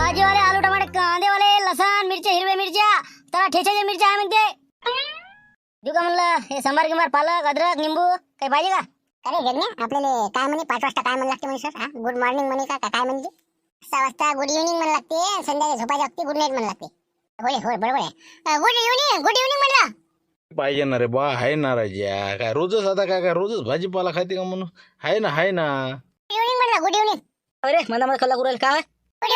भाजीवाले आलू टमाटे कांदेवाले लसण मिरच्या हिरव्या मिरच्या त्याला ठेच्याच्या मिरच्या आहे म्हणते. देऊ का म्हणलं हे सांबार गिंबार पालक अद्रक निंबू काही पाहिजे का? अरे जगण्या आपल्याला काय म्हणे 5 वाजता काय म्हणू लागते म्हणे सर? गुड मॉर्निंग म्हणे का काय म्हणजे? 6 वाजता गुड इव्हनिंग म्हणू लागते, संध्याकाळी झोपायच्या वक्ती गुड नाईट म्हणू लागते. होय बरोबर आहे. गुड इव्हनिंग म्हणलं पाहिजे ना रे बा. आहे ना राजा. काय रोजच आता काय रोजच भाजीपाला खाते का म्हणून? आहे ना गुड इव्हनिंग म्हणलं गुड इव्हनिंग. अरे मला कल्ला करू राहिला काय?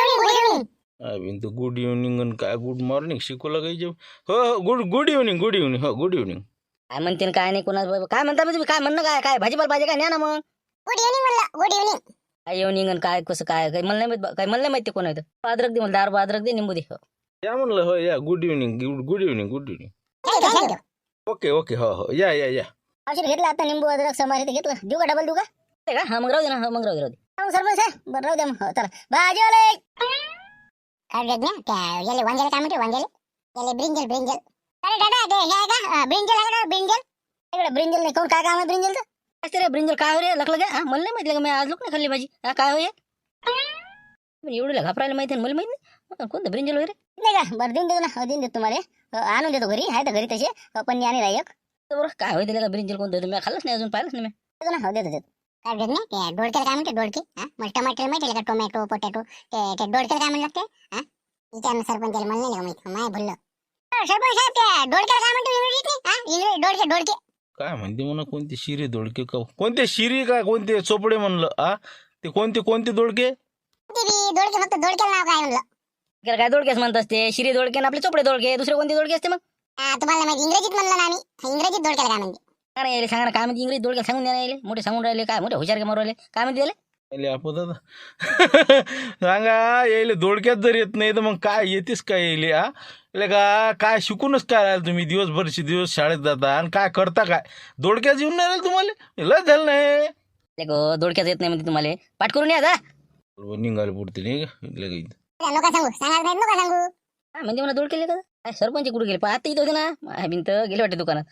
गुड इव्हनिंग आणि काय गुड मॉर्निंग शिकवलं काही? हो गुड इव्हनिंग गुड इव्हनिंग. काय म्हणते काय नाही कोणा काय म्हणता तुम्ही? काय म्हणणं काय काय भाजीपाला पाहिजे काय? न्या ना मग. गुड इव्हनिंग म्हणलं गुड इव्हनिंग. काय इव्हनिंग आणि काय कसं काय काही मला नाही माहित. काय मला नाही माहिती कोण आहे. अद्रक दे मला 10 अद्रक दे निंबू दे. या म्हणलं हो या गुड इव्हनिंग. थँक्यू. ओके हो या. औषध घेतलं आता निंबू अद्रक समारी घेतलं. देऊ का डबल देऊ का? ते का? हा मग राहू दे ना. मग राहू दे. सरपंच आहे बरं राहू द्या मग. चला भाजीवाले काय जगण्या काय याले वांग्याला काय म्हणते? वांग्याला याले ब्रिंजल. अरे दादा ते हे आहे का ब्रिंजल आहे का? ब्रिंजल इकडे ब्रिंजल नाही कोण काय काम आहे ब्रिंजलचं? काय रे ब्रिंजल काय हो रे लकलं घ्या. मला नाही माहिती का मी आज लोक नाही खाल्ली भाजी. हा काय होय एवढं घाबरायला माहिती मला माहित नाही कोणतं ब्रिंजल वगैरे नाही का? बरं देऊन देतो ना. देऊन देतो तुम्हाला आणून देतो घरी. आहे तर घरी तसे पण आणि राही एक बरोबर. काय होईल का ब्रिंजल कोणतं तुम्ही खाल्लंच नाही अजून पाहिलंच नाही मी. देतो काय जगण्या ते डोडक्याला काय म्हणते? डोडके मला टमाटर माहिती का? टोमॅटो पोटॅटो ते डोडक्याला काय म्हणू लागते? विचार सरपंचाला म्हणलं नाही का माहिती? माय भरलं सरपंच साहेब ते डोडक्याला काय म्हणतो इंग्रजीत? डोडके काय म्हणते म्हणा? कोणते शिरी दोडके का? कोणते शिरी का कोणते चोपडे म्हणलं? ते कोणते दोडके? दोडके फक्त डोडक्याला नाव काय म्हणलं? काय दोडकेच म्हणत असते? शिरी दोडके आणि आपले चोपडे दोडके. दुसरे कोणते दोडके असते मग? तुम्हाला माहिती इंग्रजीत म्हणलं ना आम्ही. इंग्रजीत डोडक्याला काय म्हणते? नाही सांगा ना काय म्हणते इंग्रजी दोडके सांगून द्या ना. मोठे सांगून राहिले काय मोठे हुशार मारू राहिले काय म्हणते सांगा यायले दोडक्यात जर येत नाही तर मग काय येतेस काय यायले? काय शिकूनच काय राहिलं तुम्ही? दिवस शाळेत जाता आणि काय करता काय? दोडक्यात येऊन नाही राहिलं तुम्हाला? लस झालं नाही दोडक्यात येत नाही म्हणते तुम्हाला. पाठ करून या जा निघाले पुढते नाही का? नका सांगू सांगणार नाहीत नका सांगू. म्हणजे मला दोड केले का? काय सरपंच कुठे गेले? आता इथं होते ना भिंत गेले वाटते दुकानात.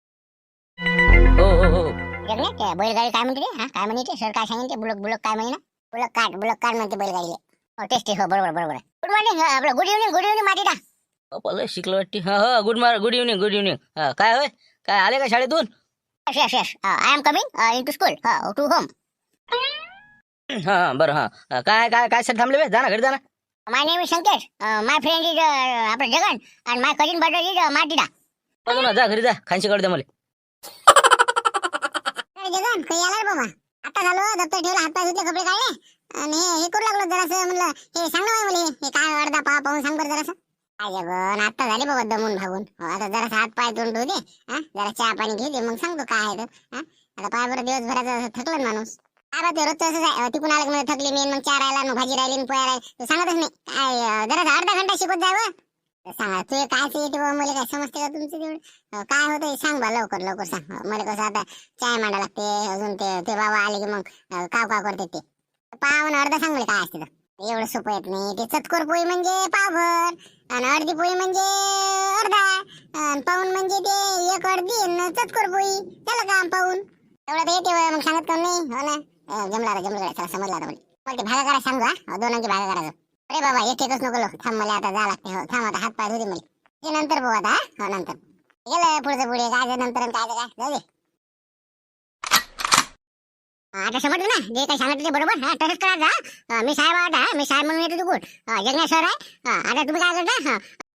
हो जगण्या ते बैलगाडी काय म्हणते? काय म्हणते सर? काय सांगितले? बुलक काय म्हणे ना? बुलक काट म्हणते बैलगाडीला. हो टेस्टी हो बरोबर. गुड मॉर्निंग आपलं गुड इव्हनिंग माटिटा शिकलं वाटते. Good evening. काय होय काय आले का शाळेतून? Yes I am coming into school to home. बरं काय सर थांबले जा ना घरी जा ना. My name is Sankesh. My friend is आपलं Jagan and my cousin brother is माटिटा. जा घरी जा खानशी कळू द्या मला. जगन काही आला रे बाबा. आता झालो दप्तर ठेवलं हातपाय धुतले कपडे काढले आणि हे करू लागलो जरासं. म्हणलं हे सांग ना मला हे काय अर्धा पाहून सांग बरं जरासं. काय जगन आता झाले बाबा दमून भागून. आता जरासं हात पाय धुवून ठेवू दे. जरा चहा पाणी घे दे मग सांगतो काय आहे तर. आता पाय बरं दिवसभराचा थकलं माणूस. काय ते रोजचं असंच आहे. तिकून आलं की थकली मी मग चहा राहिला भाजी राहिली पोया राहिली तू सांगतच नाही. काय जरा अर्धा घंटा शिकवत जावं. सांगा तू काय येते बाबा मला काय समजते का तुमचं तेवढं? काय होतं सांग बा लवकर सांग. मला कसं आता चाय मांडा लागते अजून ते बाबा आले की मग काव करते ते पाव अर्धा सांग मला काय असते तर. एवढं सोपं येत नाही. ते चतकोर पोळी म्हणजे पावभर आणि अर्धी पोळी म्हणजे अर्धा आणि पाऊन म्हणजे ते एक अर्धी चतकोर पोळी त्याला काम पाहून एवढं तर येते मग सांगत कोण नाही. हो ना जमला चला समजला आता मला ते भागा करा सांगू. दोनांची भागा करायचं. अरे बाबा एकच नको थांब मला आता जा लागते. हो थांब आता हात पाय धुते मला. ते नंतर बघू आता. हो नंतर गेलं पुढे काय नंतर काय जाऊ दे. आता समजलं ना जे काही सांगितलं ते बरोबर. तसंच करायचं. मी साहेब म्हणून येतो तू कुठ जगण्या सर आहे. आता तुम्ही काय करता